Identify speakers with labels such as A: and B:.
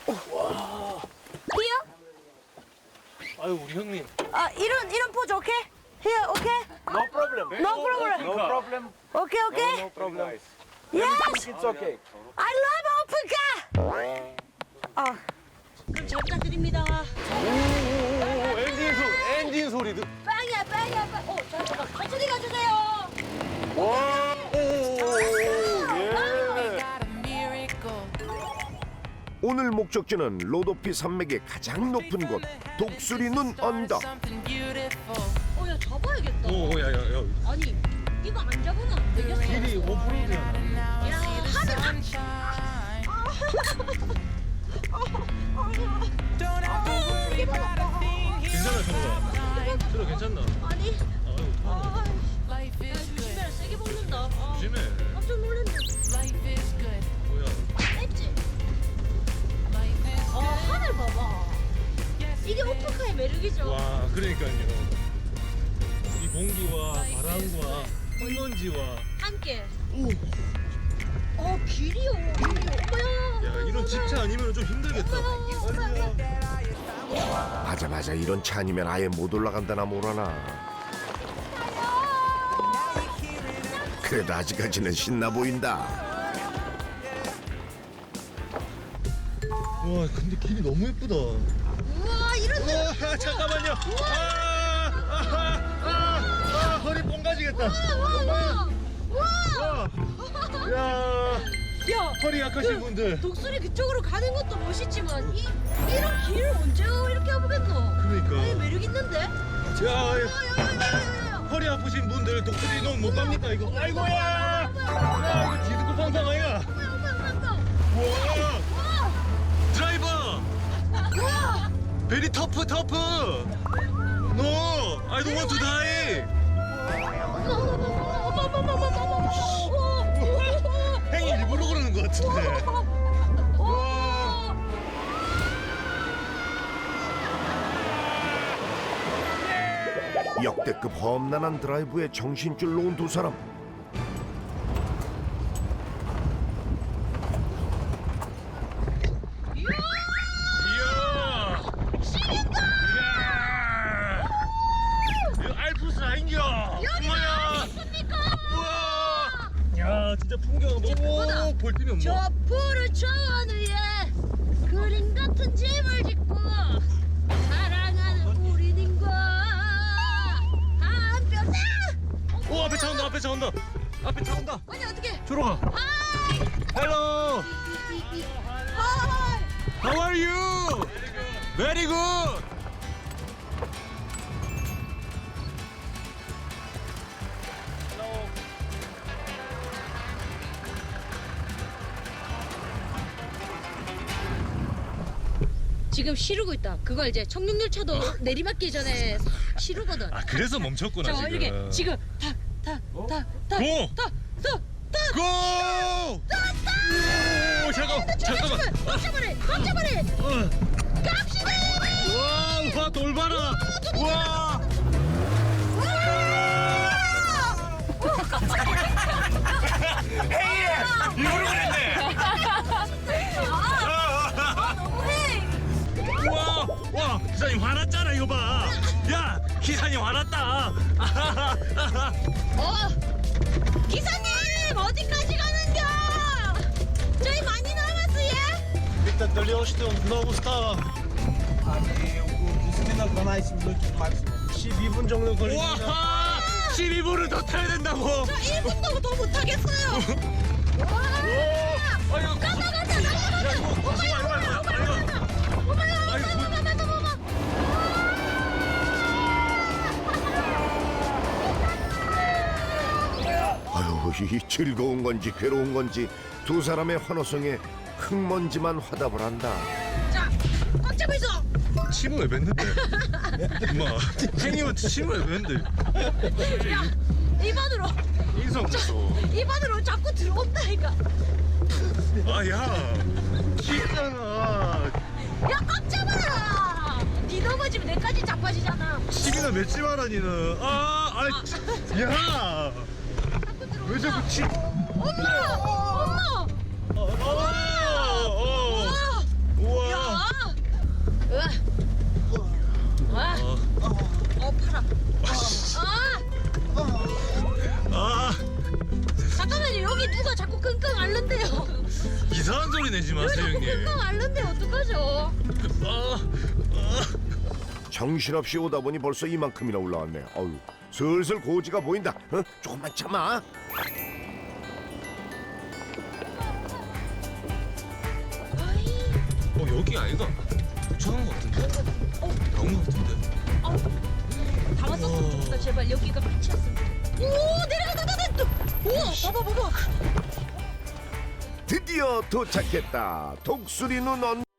A: Here?
B: 아유 우리 형님.
A: 이런 포즈 오케이? Here, 오케이?
C: No problem.
A: No problem.
C: No problem.
A: 오케이, 오케이?
C: No problem.
A: Yes!
C: It's okay.
A: I love open car! 그럼 잘 부탁드립니다.
B: 오 엔진 소리 듣.
A: 빵이야, 빵이야, 빵. 잠깐만. 천천히 가주세요.
D: 오늘 목적지는 로도피 산맥의 가장 높은 곳 독수리 눈 언덕.
A: 야, 잡아야겠다.
B: 오야야야.
A: 아니, 이거 안 잡으면 안 되겠어.
B: 길이 5%잖아.
A: 야, 하늘
B: 괜찮아 정우야. 들어 괜찮나?
A: 아니,
B: 아유
A: 조심해라. 세게 먹는다.
B: 조심해.
A: 깜짝 놀랐네.
B: 뭐야?
A: 했지? 하늘 봐봐. 이게 오픈카의 매력이죠.
B: 와 그러니까요. 이 공기와 바람과 흙먼지와
A: 함께. 길이요. 어머야.
B: 야 이런 집차 아니면 좀 힘들겠다.
D: 맞아 이런 차 아니면 아예 못 올라간다나 뭐라나. 그래도 아직까지는 신나 보인다.
B: 와 근데 길이 너무 예쁘다.
A: 우와, 이런 데.
B: 와 잠깐만요. 허리 뽕가지겠다.
A: 우와.
B: 야
A: 야,
B: 허리 약하신 분들.
A: 독수리 그쪽으로 가는 것도 멋있지만 이런 길을 언제 이렇게 해보겠노?
B: 그러니까.
A: 매력 있는데?
B: 야 허리 아프신 분들 독수리 눈 못 갑니까 이거? 아이고야. 야 이거 디스코 팡팡 아이가. 와 드라이버. 베리 터프. No, I don't want to die. 행이 일부러 그러는 것 같은데.
D: 역대급 험난한 드라이브에 정신줄 놓은 두 사람.
B: 이야. 이야. 이거 알프스 아닌겨. 엄마야. 우와. 야 진짜 풍경 너무 볼 틈이 없네.
A: 저 푸른 초원 위에 그림 같은 집을 짓고 사랑하는 우리님과 한편.
B: 오 앞에 차 온다. 앞에 차 온다.
A: 아니 어떻게?
B: 저로 가. Hello. How are you? Very good.
A: 지금 시르고 있다. 그거 이제 청룡열차도 내리막기 전에 싹 시르거든.
B: 아 그래서 멈췄구나
A: 자,
B: 지금.
A: 이렇게 지금
B: 고!
A: 탁탁탁탁탁탁
B: 고! 오 잠깐만.
A: 깜짝말해. 갑시다.
B: 와 돌봐라. 와. 헤이 이거로 그랬네. 와 기사님 화났잖아 이거 봐. 야 기사님 화났다.
A: 기사님 어디까지 가는겨? 저희 많이 남았어요.
B: 일단 떨려오시던 노브스타.
C: Disciplina na minutos máximo.
B: 12분 정도 걸립니다. 와 12분을 더 타야 된다고.
A: 저 1분도 더 못하겠어요.
B: 아이고
A: 가자.
B: 야 이거
D: 아유 이 즐거운 건지 괴로운 건지 두 사람의 환호성에 흙먼지만 화답을 한다.
A: 자, 꽉 잡아있어.
B: 침을 왜 뱉는데? 엄마 행님한테 침을 왜 뱉는데?
A: 야, 입안으로 자꾸 들어온다니까.
B: 아야 침이잖아.
A: 야, 꽉 잡아라. 니 넘어지면 내까지 자빠지잖아.
B: 침이나 맺지 마라 니는. 야 왜 자꾸 침?
A: 엄마.
B: 우와.
A: 야,
B: 이상한 소리 내지 마세요 형님.
A: 금방 알는데 어떡하죠?
D: 정신없이 오다 보니 벌써 이만큼이나 올라왔네. 어휴, 슬슬 고지가 보인다. 조금만 참아.
B: 여기 아이가 도착한 것 같은데? 나온 것 같은데?
A: 다 왔었으면 좋겠다. 제발 여기가 끝이었으면 좋겠다. 오 내려간다. 우와 봐봐.
D: 드디어 도착했다. 독수리 눈 언.